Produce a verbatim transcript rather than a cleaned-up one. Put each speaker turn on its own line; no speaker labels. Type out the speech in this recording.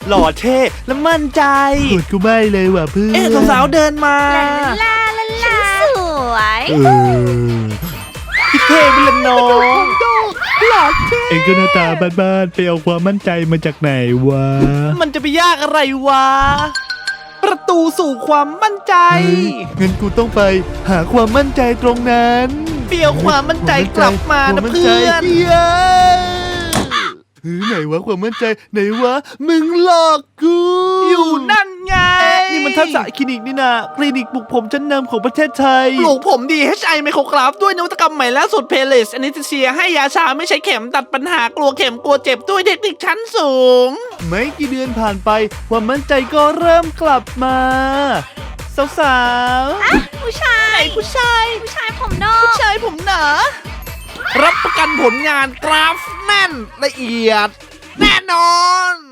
หล่อเท่และมั่นใจ
กดกูไม่เลยว่ะเพื่อน
เอ๊ะสาวๆเดินมา
ลาลาลาลาสวย
เออ
พี่เท่เป็นละน้อง
เอ็งก็หน้าตาบ้านๆไปเอาความมั่นใจมาจากไหนวะ
มันจะไปยากอะไรวะ ประตูสู่ความมั่นใจ
เฮ้ยงั้นกูต้องไปหาความมั่นใจตรงนั้น
เปียวความมั่นใจกลับมานะ
คว
เพื่อน
มั่ใจเย้เฮ้ยไหนวะความมั่นใจไหนวะมึงหลอกกู
อยู่นั่นไง นี่มันทักษะคลินิกนี่นะคลินิกปลุกผมชั้นนำของประเทศไทย ปลูกผมดี เอช ไอ ไมโครกราฟด้วยนวัตกรรมใหม่ล่าสุดเพลสอนิเซียให้ยาชาไม่ใช้เข็มตัดปัญหากลัวเข็มกลัวเจ็บด้วยเทคนิคชั้นสูง
ไม่กี่เดือนผ่านไปความมั่นใจก็เริ่มกลับมา สาว
ผู้ชาย
ไหนผู้ชาย
ผู้ชายผมนอก
ผู้ชายผมหนารับประกันผลงานกราฟแน่นละเอียด แน่นอน